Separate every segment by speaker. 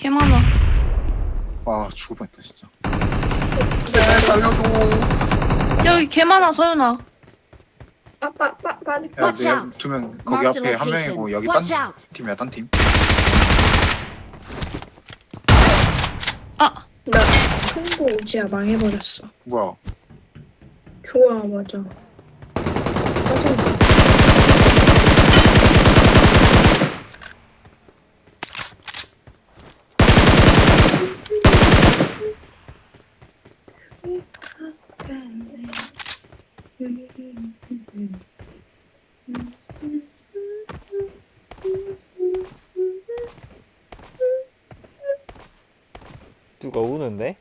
Speaker 1: 개 많아.
Speaker 2: 아 죽을 뻔했다 진짜. 제발 살려줘.
Speaker 1: 여기 개 많아, 서윤아.
Speaker 3: 빨리.
Speaker 2: 야,
Speaker 4: Watch
Speaker 2: 내
Speaker 4: out.
Speaker 2: 두명 거기
Speaker 4: Marked
Speaker 2: 앞에
Speaker 4: a
Speaker 2: 한
Speaker 4: location.
Speaker 2: 명이고 여기
Speaker 4: Watch
Speaker 2: 딴
Speaker 4: out.
Speaker 2: 팀이야 딴 팀.
Speaker 1: 아,
Speaker 3: 나 총고 의지야 망해버렸어.
Speaker 2: 뭐야?
Speaker 3: 좋아 맞아. 짜증나.
Speaker 5: 누가 우는데?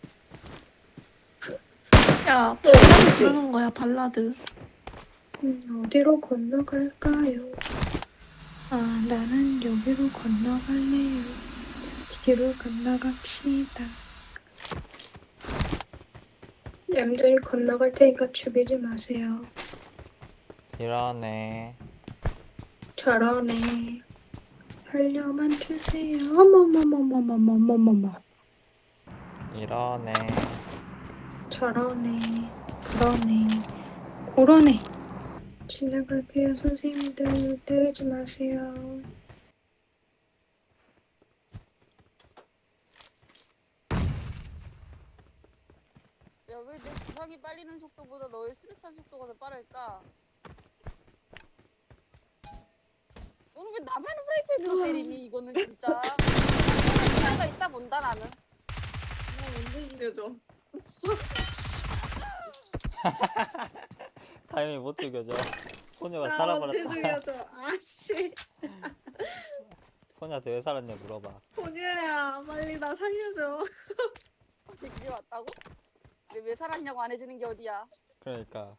Speaker 1: 야,
Speaker 3: 그치.
Speaker 1: 발라드 부르는 거야, 발라드.
Speaker 3: 어디로 건너갈까요? 아 나는 여기로 건너갈래요. 뒤로 건너갑시다. 얌전히 건너갈 테니까 죽이지 마세요.
Speaker 5: 이러네.
Speaker 3: 저러네. 살려만 주세요. 어머머머머머머머머머.
Speaker 5: 이러네.
Speaker 3: 저러네. 그러네. 고러네. 지나갈게요 선생님들. 때리지 마세요.
Speaker 6: 야, 왜 내 구상이 빨리는 속도보다 너의 수류탄 속도가 더 빠를까? 너는 왜 나만 프라이팬으로 때리니? 이거는 진짜. 차이가 있다 본다, 나는.
Speaker 7: 언제 죽여줘?
Speaker 5: 타이밍 못 죽여줘. 포녀가
Speaker 7: 나 언제
Speaker 5: 살아버렸다.
Speaker 7: 죽여줘? 아씨,
Speaker 5: 포녀한테 왜 살았냐 물어봐.
Speaker 7: 본유야, 빨리 나 살려줘.
Speaker 6: 아니, 그게 맞다고? 근데 왜 살았냐고 안 해주는 게 어디야?
Speaker 5: 그러니까.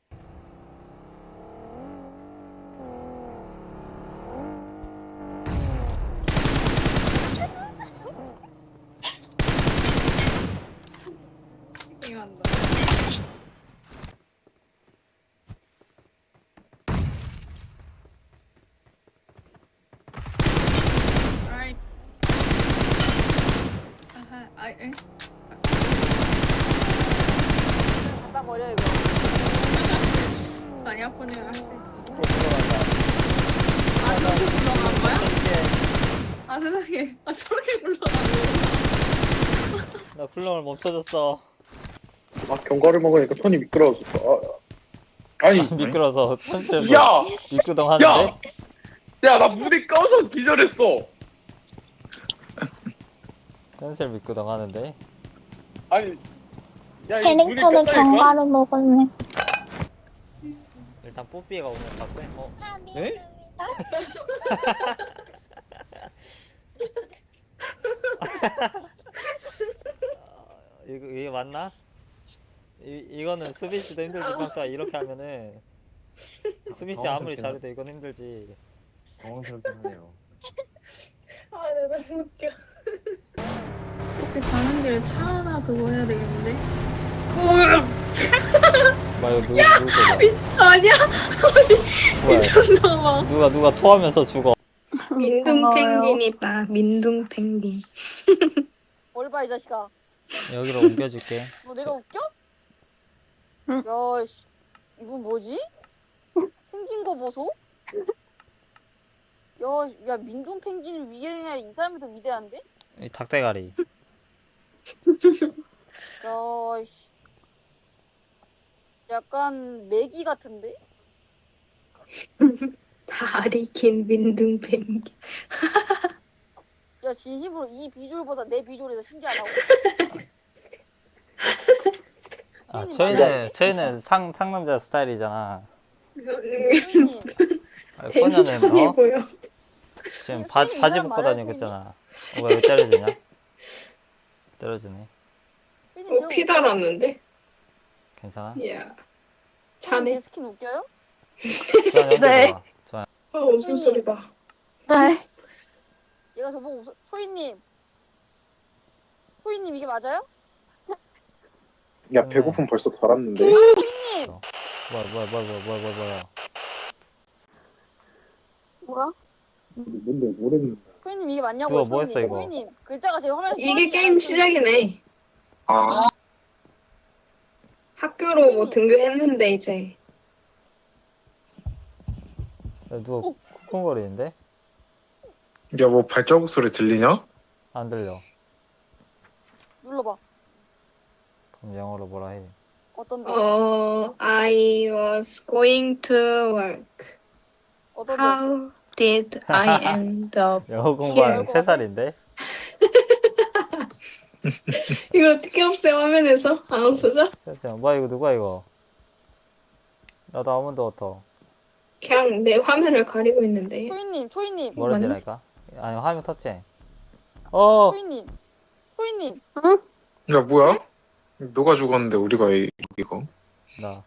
Speaker 7: 이만다. 아이. 아하, 아이, 에?
Speaker 6: 갖다 버려, 이거.
Speaker 7: 아니야, 본유야, 할 수 있어.
Speaker 5: 또 들어간다.
Speaker 7: 아, 저렇게 굴러가는 거야? 아, 세상에. 아, 저렇게 굴러가는
Speaker 5: 나 쿨럼을 멈춰줬어.
Speaker 8: 아 견과를 먹으니까 손이 미끄러워졌어. 아니
Speaker 5: 미끄러서 현실에서
Speaker 8: 야!
Speaker 5: 미끄덩 하는데?
Speaker 8: 야 나 물이 꺼서 기절했어.
Speaker 5: 현실 미끄덩 하는데?
Speaker 8: 아니 야 이 물이
Speaker 9: 캐릭터는
Speaker 8: 껐다니까?
Speaker 9: 견과류 먹었네.
Speaker 5: 일단 뽀삐가 오늘 박세?
Speaker 8: 네?
Speaker 5: 이게 맞나? 이거는 수빈씨도 힘들지 평타 이렇게 하면은 수빈씨 아무리 잘해도 이건 힘들지.
Speaker 2: 당황스럽긴 하네요.
Speaker 7: 아, 내가 너무 웃겨.
Speaker 1: 이렇게 가는 길에 차 하나 그거 해야 되겠는데?
Speaker 5: 뭐야 이거 누구 소리야?
Speaker 1: 아니야?
Speaker 5: 뭐야
Speaker 1: 미쳤나봐.
Speaker 5: 누가 토하면서 죽어.
Speaker 3: 민둥 펭귄이다. 민둥 펭귄.
Speaker 6: 뭘 봐, 이 자식아.
Speaker 5: 여기로 옮겨줄게.
Speaker 6: 너 내가 웃겨?
Speaker 1: 응.
Speaker 6: 야, 씨. 이건 뭐지? 생긴 거 보소? 야, 민둥 펭귄 위경이 이 사람이 더 위대한데?
Speaker 5: 이 닭대가리.
Speaker 6: 야, 씨. 약간 메기 같은데?
Speaker 3: 다리 긴 민둥 펭귄.
Speaker 6: 야, 진심으로 이 비주얼보다 내 비주얼이 더 신기하다고?
Speaker 5: 아 저희는 상남자 스타일이잖아.
Speaker 6: 선생님,
Speaker 5: 아니,
Speaker 3: 텐션이
Speaker 5: 포녀는
Speaker 3: 보여.
Speaker 5: 지금
Speaker 6: 선생님,
Speaker 5: 바지
Speaker 6: 이 사람
Speaker 5: 벗고
Speaker 6: 맞아요,
Speaker 5: 다니고 있잖아. 왜 때려주냐? 때려주네.
Speaker 6: 선생님 제가
Speaker 3: 피
Speaker 6: 웃겨요?
Speaker 3: 달았는데?
Speaker 5: 괜찮아?
Speaker 3: 이야.
Speaker 6: 선생님,
Speaker 3: 자네.
Speaker 6: 제 스킨 웃겨요?
Speaker 5: 좋아,
Speaker 1: 네.
Speaker 5: 좋아.
Speaker 3: 무슨 소리 봐.
Speaker 1: 네.
Speaker 6: 얘가 저보고 웃어. 소희님 이게 맞아요?
Speaker 2: 야 배고픔 벌써 덜었는데.
Speaker 6: 소희님!
Speaker 5: 뭐야.
Speaker 1: 뭐야?
Speaker 2: 뭔데 모르겠는데.
Speaker 6: 소희님 이게 맞냐고.
Speaker 5: 누가 뭐 했어, 이거?
Speaker 6: 소희님 글자가 제 화면에
Speaker 3: 이게 게임 시작이네.
Speaker 2: 아,
Speaker 3: 학교로 뭐 등교했는데 이제.
Speaker 5: 야, 누가 쿵쿵거리는데?
Speaker 2: 야, 뭐 발자국 소리 들리냐?
Speaker 5: 안 들려.
Speaker 6: 눌러봐.
Speaker 5: 그럼 영어로 뭐라 해?
Speaker 6: 어떤데?
Speaker 3: I was going to work.
Speaker 6: 어떤데?
Speaker 3: How did I end up?
Speaker 5: 영어 공부하는
Speaker 6: 예.
Speaker 5: 3살인데?
Speaker 3: 이거 어떻게 없애 화면에서? 안 없어져?
Speaker 5: 뭐야 이거 누가 이거? 나도 아무도 없어.
Speaker 3: 그냥 내 화면을 가리고 있는데.
Speaker 6: 소희님
Speaker 5: 뭐라
Speaker 3: 맞네?
Speaker 5: 지랄까? 아니 화면 터치해. 어!
Speaker 6: 소희님
Speaker 2: 야, 뭐야? 누가 죽었는데 우리가 이거?
Speaker 5: 나.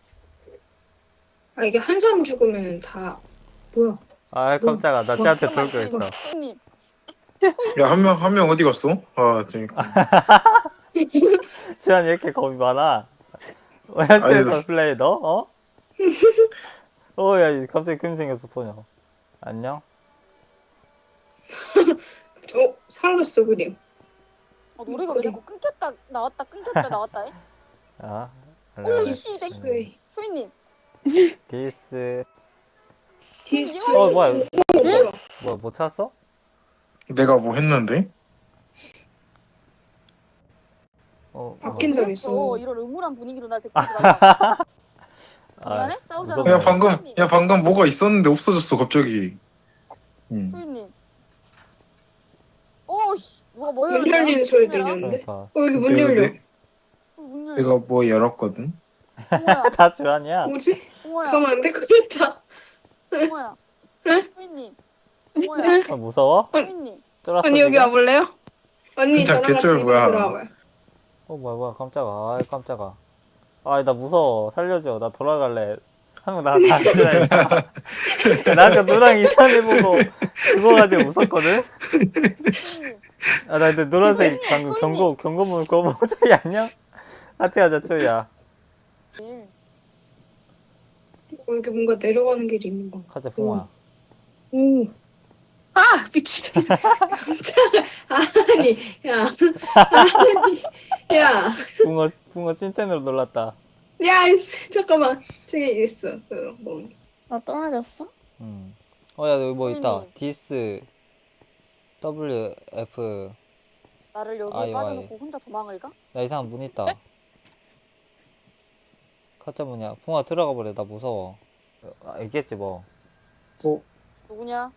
Speaker 3: 아 이게 한 사람 죽으면 다 뭐야?
Speaker 5: 아 깜짝아 나 쟤한테 돌고 있어.
Speaker 6: 소희님
Speaker 2: 야, 한 명 어디 갔어? 아, 재밌다.
Speaker 5: 지환이 왜 이렇게 겁이 많아? 현실에서 플레이 너? 어? 야 갑자기 그림 생겼어 포녀. 안녕?
Speaker 3: 사라졌어 그림.
Speaker 6: 노래가 왜 자꾸 끊겼다 나왔다 해?
Speaker 5: 아
Speaker 6: 오씨
Speaker 3: 그래.
Speaker 6: 소희님
Speaker 5: 디스
Speaker 3: 디스.
Speaker 5: 뭐야
Speaker 3: 뭐야?
Speaker 5: 뭐야 뭐 찾았어?
Speaker 2: 내가 뭐 했는데?
Speaker 3: 바뀐다 했어.
Speaker 6: 이런 음울한 분위기로 나 데리고 들어가. 장난해? 싸우잖아.
Speaker 5: 무섭네.
Speaker 2: 야, 방금 뭐가 있었는데 없어졌어, 갑자기. 응.
Speaker 6: 소희님 오씨 누가 뭐
Speaker 3: 문 열리는 소리 들렸는데?
Speaker 5: 그러니까
Speaker 3: 여기 문 열려.
Speaker 6: 문 열려.
Speaker 2: 내가 뭐 열었거든?
Speaker 6: 홍호야
Speaker 5: 다 주환이야?
Speaker 3: 뭐지?
Speaker 6: 홍호야
Speaker 3: 가면 안 될 것 같다.
Speaker 6: 홍호야 소희님 홍호야
Speaker 5: 아, 무서워?
Speaker 6: 소희님
Speaker 5: 쫄았어
Speaker 3: 언니 여기
Speaker 5: 지금?
Speaker 3: 와볼래요? 언니
Speaker 2: 진짜
Speaker 3: 저랑 같이
Speaker 2: 개쩔
Speaker 3: 이거
Speaker 2: 뭐야.
Speaker 3: 돌아와봐요.
Speaker 5: 뭐야 깜짝아 깜짝아 나 무서워 살려줘 나 돌아갈래 한 명 나한테 안 들어있어 나 아까 누랑 이상해 보고 죽어가지고 무섭거든?
Speaker 6: 소희님
Speaker 5: 나 근데 노란색 방금 경고문 그거 보고 저기 안녕? 같이 가자 초이야
Speaker 3: 여기 뭔가 내려가는 길이 있는 거.
Speaker 5: 가자 풍아
Speaker 3: 오. 아 미친. 깜짝아. 아니 야. 아니 야.
Speaker 5: 붕어 찐텐으로 놀랐다
Speaker 3: 야 잠깐만. 저기 있어. 뭐.
Speaker 1: 나 떨어졌어?
Speaker 5: 야 여기 뭐 있다
Speaker 6: 소희님.
Speaker 5: 디스 WF
Speaker 6: 나를 여기에
Speaker 5: 아이,
Speaker 6: 빠져놓고 혼자 도망을 가?
Speaker 5: 야 이상한 문 있다 가짜 문이야 풍아 들어가 버려 나 무서워 있겠지 뭐
Speaker 6: 누구냐?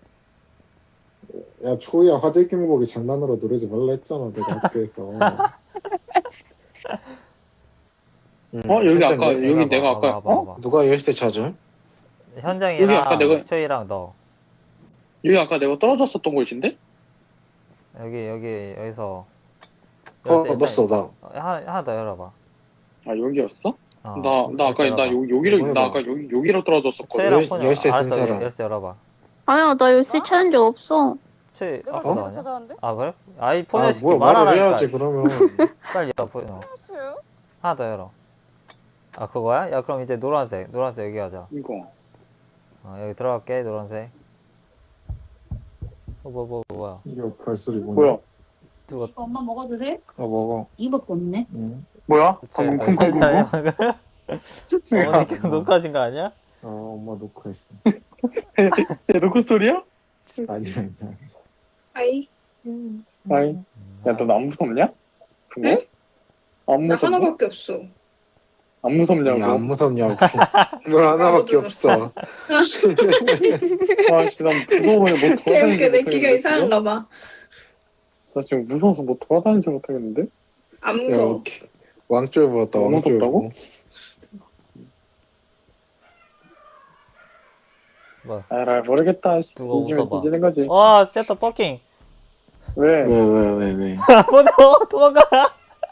Speaker 4: 야 초이야 화재 경보기 장난으로 누르지 말라 했잖아 내가 학교에서.
Speaker 8: 여기 아까 여기 내가 아까
Speaker 5: 봐봐.
Speaker 2: 누가 열쇠 찾아?
Speaker 5: 현장이랑
Speaker 8: 여기 아까 내가-
Speaker 5: 최이랑 너
Speaker 8: 여기 아까 내가 떨어졌었던 곳인데?
Speaker 5: 여기서
Speaker 2: 넣었어, 나.
Speaker 5: 하나 더 열어봐
Speaker 8: 아 여기였어?
Speaker 5: 어,
Speaker 8: 나 아까
Speaker 5: 열쇠
Speaker 8: 나
Speaker 5: 열어봐.
Speaker 8: 여기를 나 아까 여기로 떨어졌었거든.
Speaker 5: 최이랑
Speaker 2: 열-
Speaker 5: 폰이
Speaker 2: 열쇠 든
Speaker 5: 알았어
Speaker 2: 사람.
Speaker 5: 열쇠 열어봐
Speaker 1: 아니야 나 열쇠 찾은 적 없어.
Speaker 5: 최이
Speaker 6: 내가
Speaker 5: 아까 너
Speaker 6: 내가
Speaker 5: 아니야?
Speaker 6: 찾아왔는데?
Speaker 5: 아 그래? 아이
Speaker 2: 아,
Speaker 5: 포녀 시키
Speaker 2: 뭐야, 말을
Speaker 5: 말하라니까
Speaker 2: 해야지, 그러면.
Speaker 5: 빨리 열어 포녀
Speaker 6: 찾았어요?
Speaker 5: 하나 더 열어 아 그거야? 야 그럼 이제 노란색 여기 하자
Speaker 8: 이거.
Speaker 5: 여기 들어갈게 노란색 뭐야
Speaker 4: 이거 별소리
Speaker 8: 뭐야?
Speaker 5: 누가
Speaker 7: 이거 엄마 먹어도 돼?
Speaker 2: 먹어.
Speaker 7: 이밖에 없네.
Speaker 4: 응.
Speaker 8: 뭐야?
Speaker 5: 최이
Speaker 8: 방금
Speaker 5: 너 괜찮아?
Speaker 8: 쿵쿵쿵쿵?
Speaker 5: 어머니 계속 녹화하신 거 아니야?
Speaker 4: 엄마 녹화했어.
Speaker 8: 야 노크 소리야?
Speaker 4: 아니야.
Speaker 3: 아이.
Speaker 8: 아이. 야너 안 무섭냐? 그거? 안
Speaker 3: 나
Speaker 8: 무섭냐?
Speaker 3: 하나밖에 없어.
Speaker 8: 안 무섭냐고?
Speaker 2: 야, 안 무섭냐고. 뭘 하나밖에 없어.
Speaker 8: 아, 진짜 난 무서워서 뭐
Speaker 3: 이렇게
Speaker 8: 돌아다니지
Speaker 3: 내 귀가
Speaker 8: 못하겠는데?
Speaker 3: 이상한가 봐.
Speaker 8: 나 지금 무서워서 뭐 돌아다니지 못하겠는데?
Speaker 3: 안
Speaker 2: 야,
Speaker 3: 무서워.
Speaker 2: 왕쫄 보았다,
Speaker 8: 너무
Speaker 2: 왕쫄.
Speaker 8: 무섭다고?
Speaker 5: 뭐야
Speaker 8: 아 모르겠다.
Speaker 5: 누가 웃어봐.
Speaker 8: 뒤지는 거지.
Speaker 5: 와 세터 버킹
Speaker 8: 왜?
Speaker 2: 왜.
Speaker 5: 도망가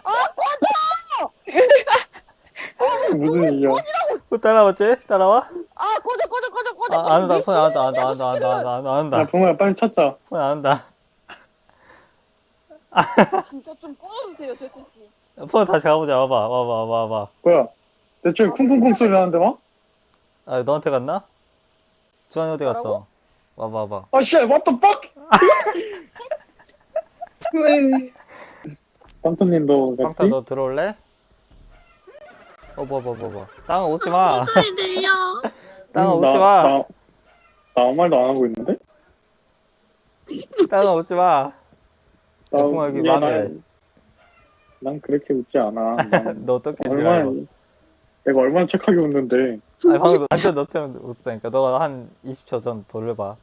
Speaker 8: 무슨 일이야?
Speaker 5: 따라왔지? 따라와?
Speaker 6: 아 꺼져
Speaker 5: 안 온다 폰 안
Speaker 8: 야
Speaker 5: 온다
Speaker 8: 동호야 빨리 찾자.
Speaker 5: 폰 안 온다
Speaker 6: 진짜 좀 꺼주세요 제트씨.
Speaker 5: 폰 다시 가보자 와봐
Speaker 8: 뭐야? 내 쪽에 쿵쿵쿵 소리 나는데 와?
Speaker 5: 아 너한테 갔나? 주환이 어디 갔어? 와봐
Speaker 8: 아 씨, what the fuck?
Speaker 3: 왜?
Speaker 8: 판토님도
Speaker 5: 빵타
Speaker 8: 같이?
Speaker 5: 너 들어올래? 뭐. 땅아 웃지 마.
Speaker 1: 소리 들려.
Speaker 5: 땅아 웃지 마.
Speaker 8: 나 아무 말도 안 하고 있는데?
Speaker 5: 땅아 웃지 마.
Speaker 8: 나,
Speaker 5: 풍아 여기
Speaker 8: 야,
Speaker 5: 마음이래.
Speaker 8: 난 그렇게 웃지 않아. 난
Speaker 5: 너 어떻게 줄
Speaker 8: 얼마나
Speaker 5: 알고?
Speaker 8: 내가 얼마나 착하게 웃는데.
Speaker 5: 아니 방금 완전 너처럼 웃다니까. 너가 한 20초 전 돌려봐.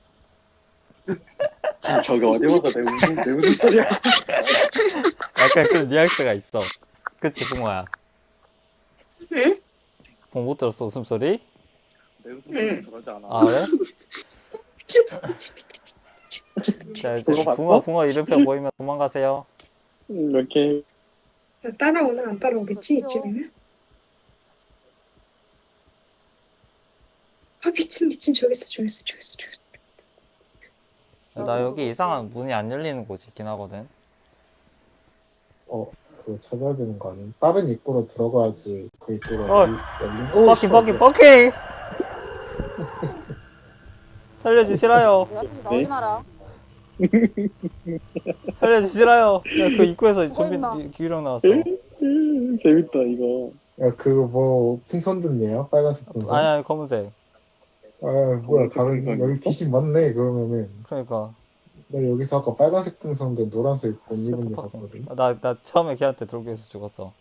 Speaker 8: 저기 어디 봐서 내 웃음 소리야.
Speaker 5: 약간 그런 뉘앙스가 있어. 그치 붕어야?
Speaker 3: 응?
Speaker 5: 붕어 못 들었어 웃음소리?
Speaker 8: 내 웃음 소리 저러지 않아.
Speaker 5: 아 그래? 자 이제 붕어 이름표 보이면 도망가세요.
Speaker 8: 이렇게
Speaker 3: 나 따라오나 안 따라오겠지 이쯤이면? 아 미친 저기 있어.
Speaker 5: 나 여기 이상한 문이 안 열리는 곳이 있긴 하거든.
Speaker 4: 그거 찾아야 되는 거 아니야? 다른 입구로 들어가야지 그 입구로
Speaker 5: 버킹! 살려주시라요.
Speaker 6: 내 앞에서 나오지 마라.
Speaker 5: 살려주시라요. 야, 그 입구에서
Speaker 6: 그거 임마.
Speaker 5: 좀비 유령 나왔어.
Speaker 8: 재밌다 이거.
Speaker 4: 야 그거 뭐 풍선 듣네요? 빨간색 풍선?
Speaker 5: 아니 검은색.
Speaker 4: 아 뭐야 다른 여기 귀신 많네 그러면은
Speaker 5: 그러니까
Speaker 4: 나 여기서 아까 빨간색 풍선인데 노란색 옷 입은 애
Speaker 5: 버킹.
Speaker 4: 봤거든.
Speaker 5: 나 처음에 걔한테 돌고해서 죽었어.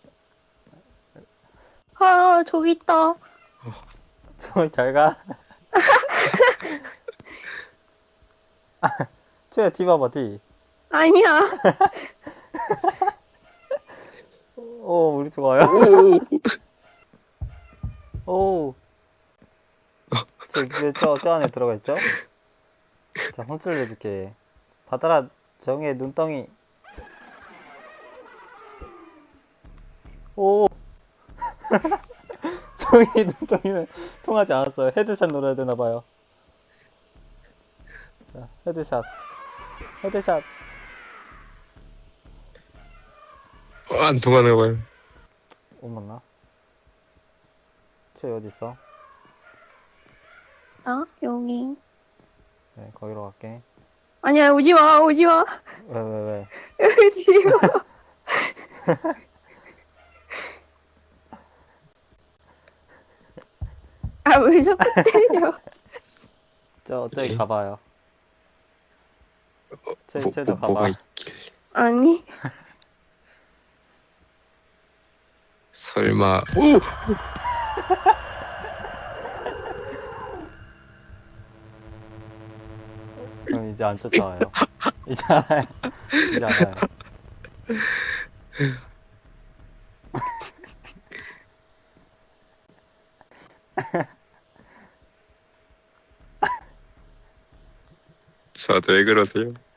Speaker 1: 아 저기 있다.
Speaker 5: 저기 잘 가. 쟤 뒤봐봐 뒤.
Speaker 1: 아니야.
Speaker 5: 우리 좋아요. 오. 저 안에 들어가 있죠? 자, 혼쭐 내줄게. 받아라, 정의 눈덩이. 오. 정의 눈덩이는 통하지 않았어요. 헤드샷 노려야 되나봐요. 자, 헤드샷.
Speaker 2: 안 통하나 봐요.
Speaker 5: 맞나? 쟤 어딨어?
Speaker 1: 나 여기.
Speaker 5: 네, 거기로 갈게.
Speaker 1: 아니야 오지 마.
Speaker 5: 왜?
Speaker 1: 여기 뒤로. 아 왜 자꾸 때려?
Speaker 5: 저기 가봐요. 쟤도 가봐.
Speaker 2: 뭐가
Speaker 1: 아니.
Speaker 2: 설마. 오!
Speaker 5: 그럼 이제 안 쫓아와요. 이제 알아요.
Speaker 2: 저한테 왜 그러세요?